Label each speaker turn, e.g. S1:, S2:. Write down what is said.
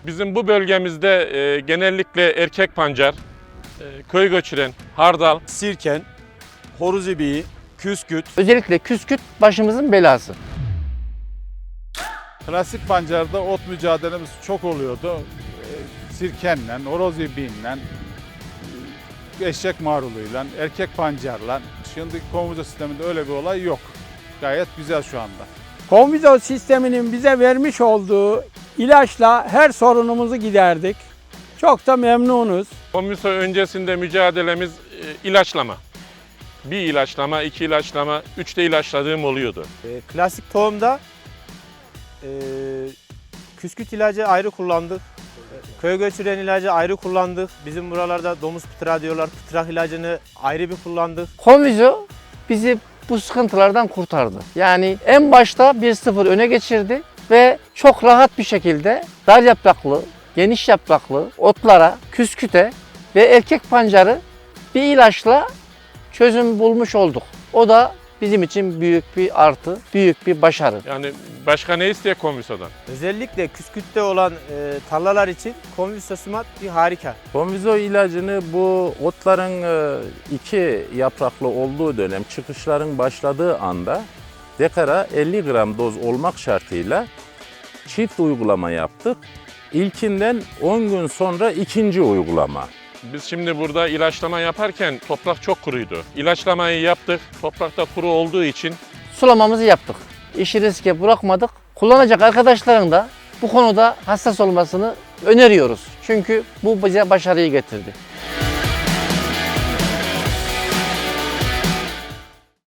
S1: Bizim bu bölgemizde genellikle erkek pancar, köy göçüren, hardal,
S2: Sirken, horoz ibiği, küsküt.
S3: Özellikle küsküt başımızın belası.
S4: Klasik pancarda ot mücadelemiz çok oluyordu. Sirkenle, horoz ibiğiyle, eşek maruluyla, erkek pancarla. Şimdiki komuta sisteminde öyle bir olay yok. Gayet güzel şu anda.
S5: Konvizo sisteminin bize vermiş olduğu ilaçla her sorunumuzu giderdik. Çok da memnunuz.
S1: Komiso öncesinde mücadelemiz ilaçlama. Bir ilaçlama, iki ilaçlama, üç de ilaçladığım oluyordu.
S6: Klasik tohumda küsküt ilacı ayrı kullandık. Köy göçüren ilacı ayrı kullandık. Bizim buralarda domuz pıtırağı diyorlar. Pıtırak ilacını ayrı bir kullandık.
S3: Konvizo bizi bu sıkıntılardan kurtardı. Yani en başta 1-0 öne geçirdi ve çok rahat bir şekilde dar yapraklı, geniş yapraklı otlara, küsküte ve erkek pancarı bir ilaçla çözüm bulmuş olduk. O da bizim için büyük bir artı, büyük bir başarı.
S1: Yani başka ne isteye komisodan?
S6: Özellikle küskütte olan tarlalar için Konviso-Smart bir harika.
S7: Konvizo ilacını bu otların iki yapraklı olduğu dönem çıkışların başladığı anda dekara 50 gram doz olmak şartıyla çift uygulama yaptık. İlkinden 10 gün sonra ikinci uygulama.
S1: Biz şimdi burada ilaçlama yaparken toprak çok kuruydu. İlaçlamayı yaptık, toprakta kuru olduğu için
S3: Sulamamızı yaptık. İşi riske bırakmadık. Kullanacak arkadaşların da bu konuda hassas olmasını öneriyoruz. Çünkü bu bize başarıyı getirdi.